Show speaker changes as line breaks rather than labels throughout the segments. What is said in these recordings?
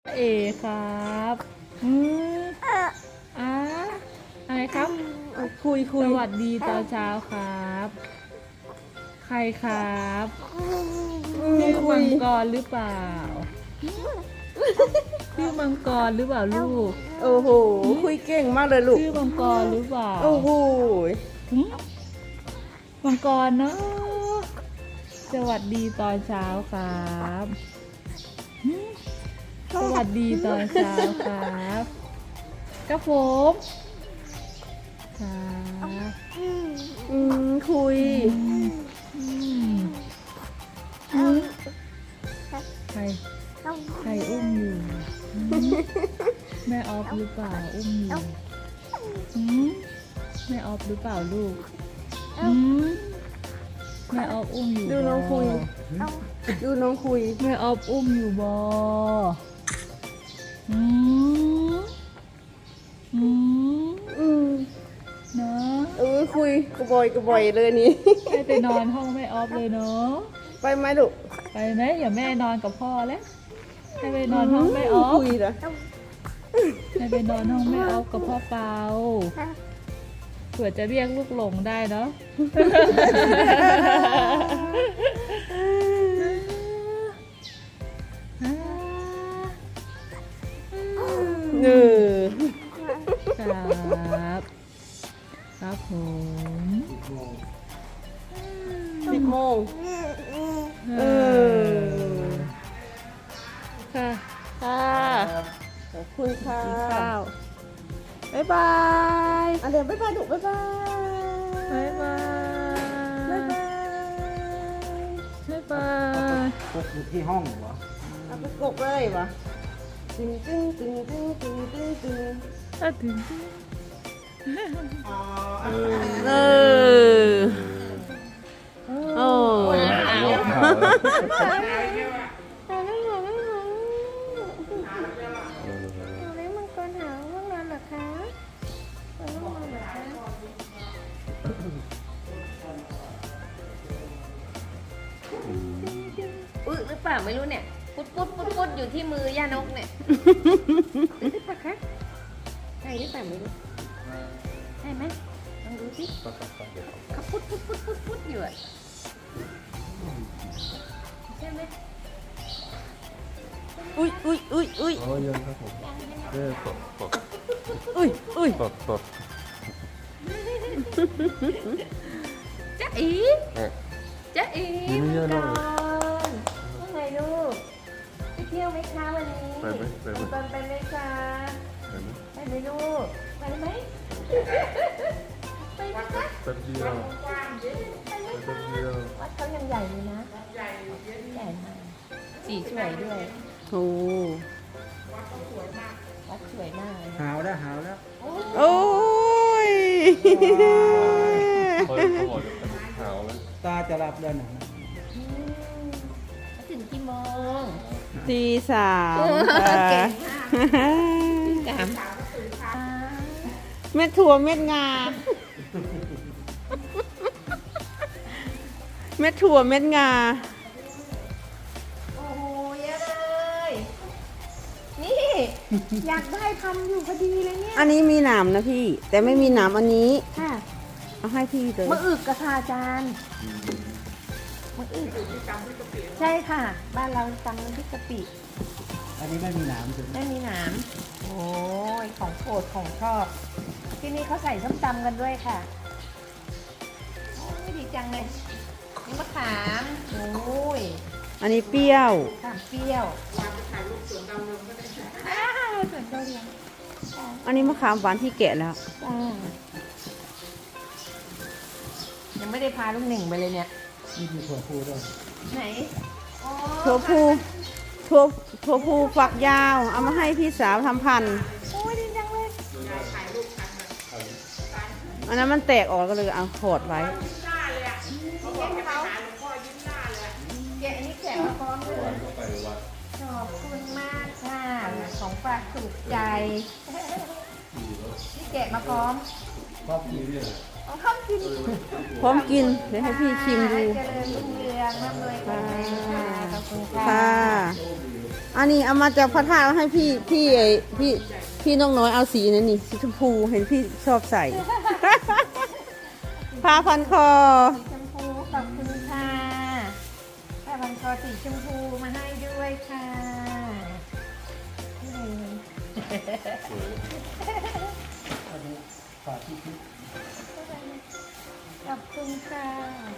เอครับอ่าอะไรครับ
คุย
สวัสดีตอนเช้าครับ ใครครับชื่อมังกรหรือเปล่าชื่อมังกรหรือเปล่าลูก
โอ้โหคุยเก่งมากเลยลูก
ชื่อมังกรหรือเปล่า
โอ้โห
หึมังกรเนาะสวัสดีตอนเช้าครับหึสวัสดีตอนเช้าครับครับผมครับ
คุย
อืมใครอุ้มอยู่แม่ออฟหรือเปล่าอุ้มอยู่หืมแม่ออฟหรือเปล่าลูกหืมแม่ออฟอุ้มอยู่
ดูน้องคุย ดูน้องคุย
แม่ออฟอุ้มอยู่บอหืมหืม
อืม
เนาะ
คุยกระบอยเลยนี่
ให้ไปนอนห้องแม่ออฟเลยเนาะ
ไปไหมลูก
ไปไหมอย่าแม่นอนกับพ่อแล้วให้ไปนอนห้องแม่ออฟ
คุยเหรอ
ให้ไปนอนห้องแม่ออฟกับพ่อเปาเผื่อจะเรียกลูกหลงได้เนาะ
เออ
ครับครับผม
10 โมงเออ
ค่ะ
ค่ะขอบคุณค่ะ
กินข้าว
บ๊ายบายเดี๋ยวบ๊ายบายลูกบ๊ายบาย
บ๊ายบาย
บ๊ายบาย
บ๊ายบาย
พกอยู่ที่ห้องเหรอ
เอาไปกบเลยวะตึงตึงตึงตึงตึงตึงตึง
ถ้าถึง
เออโอ้
อึหรือเปล่าไม่รู้เนี่ยปุ๊ดอยู่ที่มือย่านกเนี่ยหรือเปล่าคะใช่หรือเปล่าไม่รู้ใช่ไหมลองดูสิเขาปุ๊ดอยู่อะใช่ไหม
อุ้ย
อ๋อยังครับผมตด
อุ้ย
ตด
จ๊ะอีจ๊ะอี
นี่ไม่เยอะหรอก
ว่าไงลูกไปเที่ยวไหมคะวันนี้
ไปไหม
ตอนไปไหมคะไปไหมลูกไปไหมไปไหมคะ
แป๊บเดียว
ไปไหม
แป๊
คะ
บเดียว
วัดเขายังใหญ่เลยนะใหญ่มากสีสวยด้วย
โอ้
วัดสวยมากเลยนะ
หาวแล้ว
โอ้ย
เขาบอกจะเป็นหาวแล้วตาจะรับแล้วนะ
แล้วถึงกี่โมง
ตีสาม
เก่ง
ค่ะ
กาม
เม็ดถั่วเม็ดงา เม็ดถั่วเม็ดงา
โอ้โหเยอะเลย นี่ อยากได้ทำอยู่พอดีเลยเนี่ย
อันนี้มีหนามนะพี่ แต่ไม่มีหนามอันนี้
ค่ะ
เอาให้พี่เลย
มะอึกกระทาจานมะอึกใช่ค่ะ บ้านเราตำน้ำพริกกะปิ
อันนี้ไม่มีหนามถึง
ไม่มีหนามโอ้ยของโปรดของชอบ ที่นี่เขาใส่ส้มตำกันด้วยค่ะโอ้ยดีจังเลยนี่มะขามโอ้ย
อันนี้เปรี้ยว
มะขามเปรี้ยวถ่ายรูปสวนดาวเรืองก็ได้สวนดาวเรือง
อันนี้มะขามหวานที่แกะแล้ว
ยังไม่ได้พาลูกหนึ่งไปเลยเนี่ย
นี่มีถั่วพูด้วย
ไหนอ๋อ
ถั่วพูถั่วพูฝักยาว เอามาให้พี่สาวทำพันธุ์
โอ้ยดีจังเลย
อันนั้นมันแตกออกก็เลยเอาขอดไว้
แกะอันนี้แกะมาพร้อมเลยขอบคุณมากค่ะ ของฝากถูกใจ นี่แกะมาพร้อม
ชอบกินเนี่ย
เอาข้าวกิน
พร้อมกิน เดี๋ยวให้พี่ชิมดู
เจริญรุ่งเรืองร่ำรวยกันเลยค่ะขอบคุณค่ะ
ค่ะอันนี้เอามาจากพระธาตุให้พี่น้องน้อยเอาสีนั่นนี่สีชมพูเห็นพี่ชอบใส่ ผ้าพันคอ
สีชมพูขอบคุณค่ะผ้าพันคอสีชมพูมาให้ด้วยค่ะนี่ขอบคุณค่ะ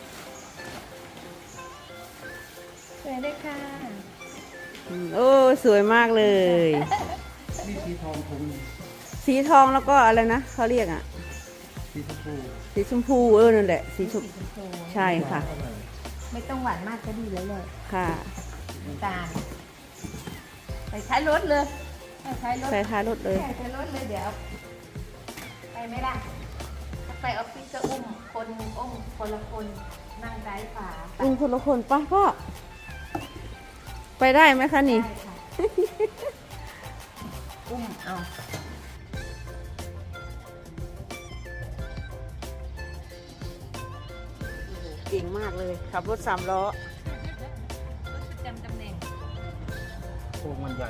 สวยด้วยค่ะ
โอ้สวยมากเลย
นี่สีทองผม
สีทองแล้วก็อะไรนะเขาเรียกอ่ะ
สีชมพู
สีชมพูนั่นแหละสีชมพูใช่ค่ะ
ไม่ต้องหวานมากก็ดีแล้วเลย
ค่ะ
น้ำตาลใส่ท้ายรถเลยใส่ท้ายรถ
ใส่ท้ายรถเลย
ใส่ท้ายรถเลยเดี๋ยวไปไหมล่ะถ้าไปออฟฟิศก็อุ้มคนละคนนั่งซ้ายขวา
อุ้มคนละคนป่ะพ่อไปได้ไหมคะนี่
ได้ค่ะอุ้มเอา
เก่งมากเลยขับรถ3 ล้อ
จำตำแหน่ง
โค้งมันใหญ่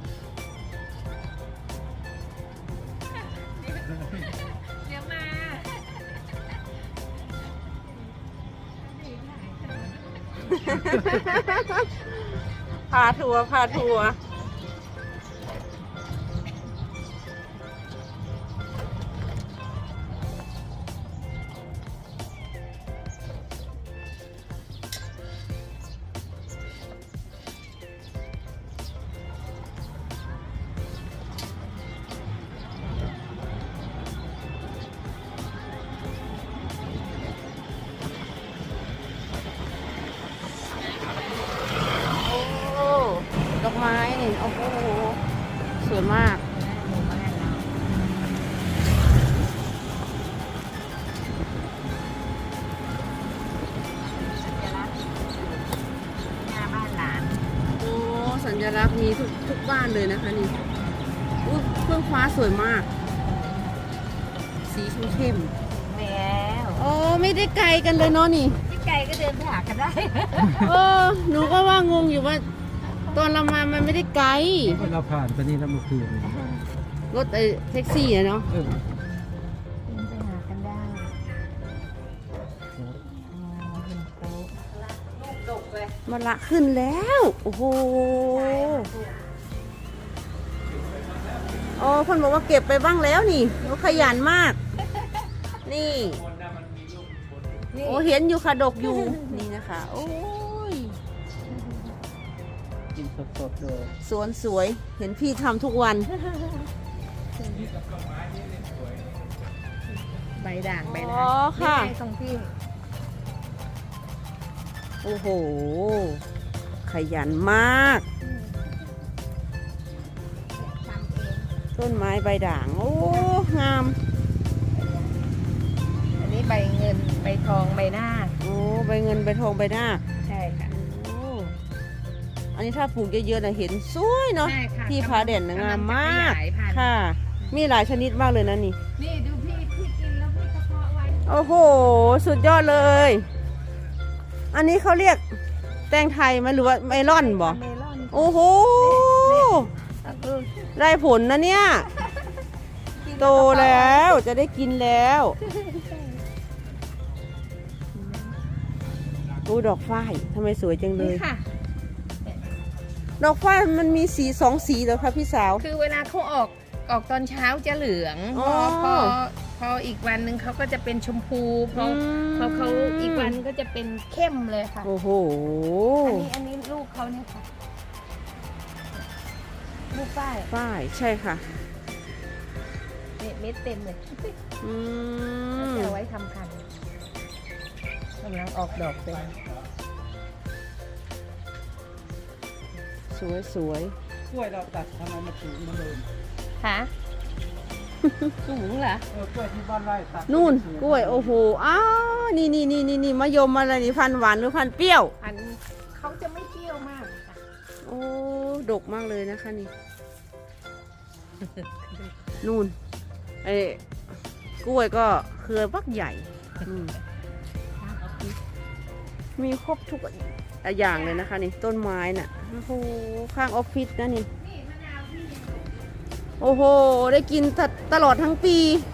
เดี๋ยวมา
พาทัวร์พาทัวร์ดอกไม้นี่โอ้โหสวยมาก
หมู่บ้านเราสัญลักษณ์หน้าบ้านหลาน
โอ้สัญลักษณ์มีทุกบ้านเลยนะคะนี่อุ๊ยเครื่องฟ้าสวยมาก สีเข้ม
แล้ว
ๆโอ้ไม่ได้ไกลกันเลยเนาะนี่
พี่ไก่ก็เดินไปหากันได้
เออหนูก็ว่างงอยู่ว่า ตอนเรามามันไม่ได้ไกล
เราผ่านไปนี่แล้วเมื่อคืน
รถแท็กซี่อะเนาะ
เออ
เดินไปหากันได้เห็นโต๊ะลูกดกเลย
มันละขึ้นแล้ว โอ้โหโอ้คนบอกว่าเก็บไปบ้างแล้วนี่เขาขยันมาก นี่
นี่
โอ้เห็นอยู่ค่ะดกอยู่ นี่นะคะ โอ้ย
กินสดๆเลย
สวนสวย เห็นพี่ทำทุกวัน
ใบด่างใบ
อ๋
ด่า
อง ค่ะ
นี่ไงตรงที่
โอ้โห ขยันมาก
ทำเอง
ต้นไม้ใบด่าง โอ้ งาม
อันนี้ใบเงินใบทองใบหน้าค
โอ้ใบเงินใบทองใบหน้าค
ใช่ค่ะ
โอ้อันนี้ถ้าปลูกเยอะๆนะเห็นสวยเนาะ
ใช่ค่ะ
ที่ผาเด่นนะงามมาก
กำลังจะขยายพันธุ์
ค่ะ มีหลายชนิดมากเลยนะนี่
นี่ดูพี่กินแล้วพี่กระเพาะไว้
โอ้โห สุดยอดเลย อันนี้เขาเรียกแตงไทยไหมหรือว่าเมลอนบ่
เมลอน
โอ้โห
เออ
ได้ผลนะเนี่ย โตแล้วจะได้กินแล้วอู้ดอกฝ้ายทำไมสวยจังเล
นี่
ย
ค่ะ
ดอกฝ้ายมันมีสี2 สีเหรอคะพี่สาว
คือเวลาเขาออกตอนเช้าจะเหลือง
อ๋อ
พออีกวันหนึ่งเขาก็จะเป็นชมพูพอ
อืม
พอเขาอีกวันก็จะเป็นเข้มเลยค่ะ
โอ้โห
อันนี้ลูกเขาเนี่ยค่ะลูกป้าย
ฝ้ายใช่ค่ะ
เนี่ยเม็ดเต็มเลย
อื
เขา
ม
จะเอาไว้ทำพันธุ์กำลังออกดอกเต็ม
สวยสวย
กล้วยเราตัดทำไมมาถึงมาเลย
ค่ะ สูงเหรอ
กล้วยที่บ้านไร่ตัด
นู่นกล้วยโอ้โหอ้าวนี่มะยมอะไรนี่พันธุ์หวานหรือพันธุ์เปรี้ยว
พันธุ์เขาจะไม่เปรี้ยวมากค่ะ
โอ้ดกมากเลยนะคะนี่ นู่นไอ้กล้วยก็เครือบักใหญ่อืมมีครบทุกอย่างเลยนะคะนี่ต้นไม้น่ะโอ้โหข้างออฟฟิศนะนี่โอ้โหได้กินตลอดทั้งปี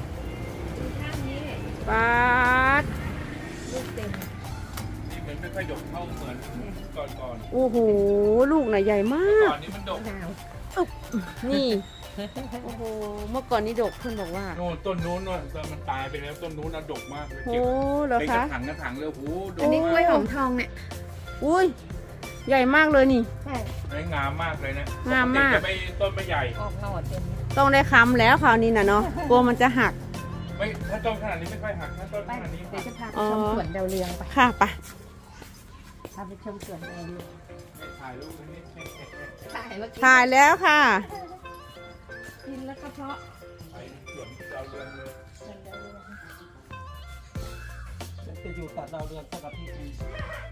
ปาด
ลูกเต็ม
นี่เหมือนไม่ค่อยดกเท่าเหมือนก่อน
โอ้โหลูกน่ะใหญ่มา
ๆ
ก
ก่อนนี้มันดก
มะนาว
นี่โอ้โหเมื่อก่อนนี้ดกเพื่อนบอกว่า
โน่นต้นนู้นน่ะตอนมันตายไปแล้วต้นนู้นน่ะดกมากเลย
โอ้
เก็บ
เหรอ
เป็นก
คะ
ระถางเลยโอ้โหด
อั
ก
นนี้กล้วยหอม
มาก
ทองเนี่ย
อุ้ยใหญ่มากเลยนี่
ใช่
งามมากเลยนะ
งามมาก
ปติจะไม่ต้นไม่ใหญ่
ออกหน่อเต็ม
ต้องได้ค้ำแล้วคราวนี้นะเนาะกลัวมันจะหัก
ไม่ถ้าต้นขนาดนี้ไม่ค่อยหักถ้าต้น
ไป
ขนาดนี้
เดี๋ยวจะพาไป
อ๋อ
ชมสวนดาวเรืองไป
ค่ะไป
พาไปชมสวนดาวเรือง
ไม่ถ่ายรูปไว้นี่
ถ่ายเมื่อกี้
ถ่ายแล้วค่ะ
กินแล้วก็เพาะ
ไปสวนดาวเรืองเลย
สวนดาวเรือง
จะอยู่ตัดดาวเรืองสักอาทิตย์หนึง